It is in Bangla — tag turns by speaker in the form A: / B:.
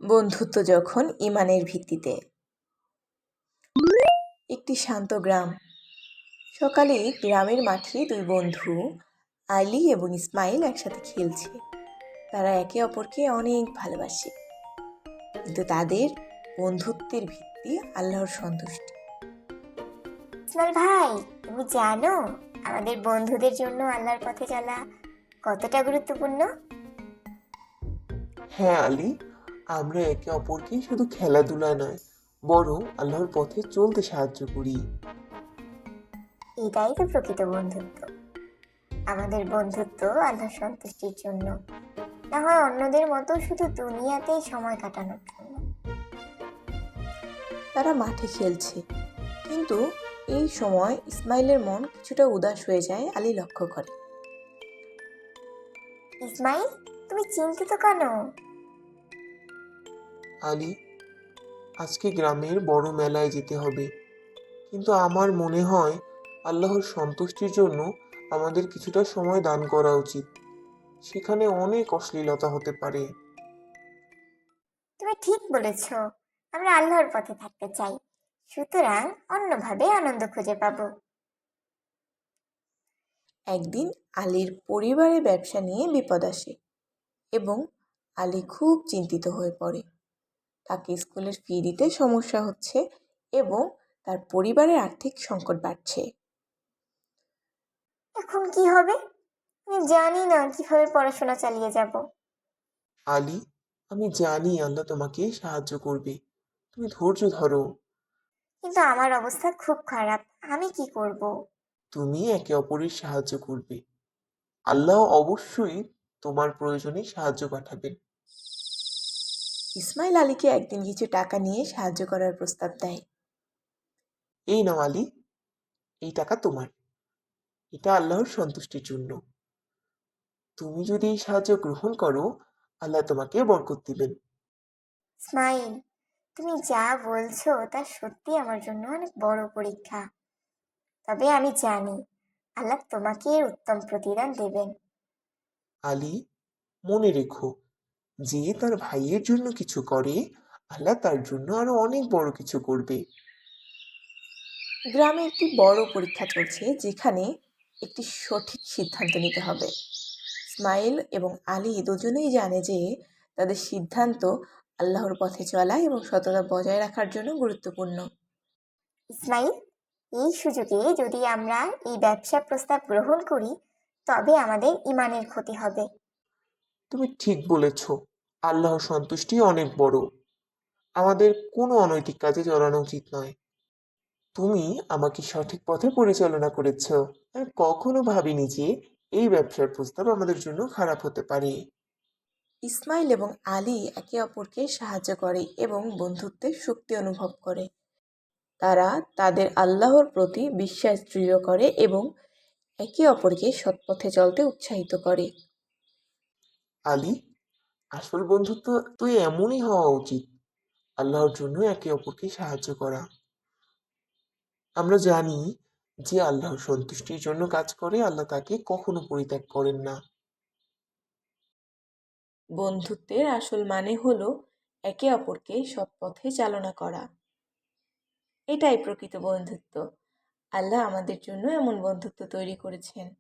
A: বন্ধুত্ব যখন ঈমানের ভিত্তিতে। একটি শান্ত গ্রাম। সকালে গ্রামের মাঠে দুই বন্ধু আলী এবং ইসমাইল একসাথে খেলছে। তারা একে অপরকে অনেক ভালোবাসে, কিন্তু তাদের বন্ধুত্বের ভিত্তি আল্লাহর সন্তুষ্টি।
B: ইসমাইল ভাই, তুমি জানো আমাদের বন্ধুদের জন্য আল্লাহর পথে চলা কতটা গুরুত্বপূর্ণ?
C: হ্যাঁ আলী, আমরা একে অপরকে শুধু খেলাধুলা নয়, বরং আল্লাহর পথে চলতে সাহায্য করি।
B: এটাই তো প্রকৃত বন্ধুত্ব। আমাদের বন্ধুত্ব আল্লাহর সন্তুষ্টির জন্য, না হয় অন্যদের মতো শুধু দুনিয়াতেই সময় কাটানোর জন্য।
A: তারা মাঠে খেলছে, কিন্তু এই সময় ইসমাইলের মন কিছুটা উদাস হয়ে যায়। আলী লক্ষ্য করে।
B: ইসমাইল, তুমি চিন্তিত কেন?
C: আলী, আজকে গ্রামের বড় মেলায় যেতে হবে, কিন্তু আমার মনে হয় আল্লাহর সন্তুষ্টির জন্য আমাদের কিছুটা সময় দান করা উচিত। সেখানে অনেক অশ্লীলতা হতে পারে।
B: তুমি ঠিক বলেছ। আমরা আল্লাহর পথে থাকতে চাই, সুতরাং অন্যভাবে আনন্দ খুঁজে পাবো।
A: একদিন আলীর পরিবারে ব্যবসা নিয়ে বিপদ আসে এবং আলী খুব চিন্তিত হয়ে পড়ে। তাকে স্কুলের ফি দিতে সমস্যা হচ্ছে এবং তার পরিবারের আর্থিক সংকট বাড়ছে।
B: এখন কি হবে? আমি জানি না কিভাবে পড়াশোনা চালিয়ে যাব।
C: আলী, আমি জানি আল্লাহ তোমাকে সাহায্য করবে। তুমি ধৈর্য ধরো।
B: কিন্তু আমার অবস্থা খুব খারাপ, আমি কি করব?
C: তুমি একে অপরের সাহায্য করবে। আল্লাহ অবশ্যই তোমার প্রয়োজনে সাহায্য পাঠাবেন।
A: ইসমাইল আলীকে একদিন কিছু টাকা নিয়ে সাহায্য করার প্রস্তাব দেয়।
C: এই নাও আলী, এই টাকা তোমার। এটা আল্লাহর সন্তুষ্টির জন্য। তুমি যদি এই সাহায্য গ্রহণ করো, আল্লাহ তোমাকে বরকত দিবেন।
B: ইসমাইল, তুমি যা বলছো তা সত্যি আমার জন্য অনেক বড় পরীক্ষা। তবে আমি জানি আল্লাহ তোমাকে এর উত্তম প্রতিদান দেবেন।
C: আলী, মনে রেখো, যে তার ভাইয়ের জন্য কিছু করে, আল্লাহ তার জন্য আরো অনেক বড় কিছু করবে।
A: গ্রামে একটি বড় পরীক্ষা চলছে, যেখানে একটি সঠিক সিদ্ধান্ত নিতে হবে। ইসমাইল এবং আলী দুজনেই জানে যে তাদের সিদ্ধান্ত আল্লাহর পথে চলা এবং সততা বজায় রাখার জন্য গুরুত্বপূর্ণ।
B: ইসমাইল, এই সুযোগে যদি আমরা এই ব্যবসা প্রস্তাব গ্রহণ করি, তবে আমাদের ইমানের ক্ষতি হবে।
C: তুমি ঠিক বলেছ। আল্লাহর সন্তুষ্টি অনেক বড়। আমাদের কোনো অনৈতিক কাজে জড়ানো উচিত নয়। তুমি আমাকে সঠিক পথে পরিচালনা করেছ। আমি কখনো ভাবিনি যে এই ব্যবসার প্রস্তাব আমাদের জন্য খারাপ হতে পারে।
A: ইসমাইল এবং আলী একে অপরকে সাহায্য করে এবং বন্ধুত্বের শক্তি অনুভব করে। তারা তাদের আল্লাহর প্রতি বিশ্বাস দৃঢ় করে এবং একে অপরকে সৎপথে চলতে উৎসাহিত করে।
C: আলী, আসল বন্ধুত্ব তো এমনই হওয়া উচিত। আল্লাহর জন্য একে অপরকে সাহায্য করা। আমরা জানি যে আল্লাহর সন্তুষ্টির জন্য কাজ করে, আল্লাহ তাকে কখনো পরিত্যাগ করেন না।
A: বন্ধুত্বের আসল মানে হলো একে অপরকে সৎ পথে চালনা করা। এটাই প্রকৃত বন্ধুত্ব। আল্লাহ আমাদের জন্য এমন বন্ধুত্ব তৈরি করেছেন।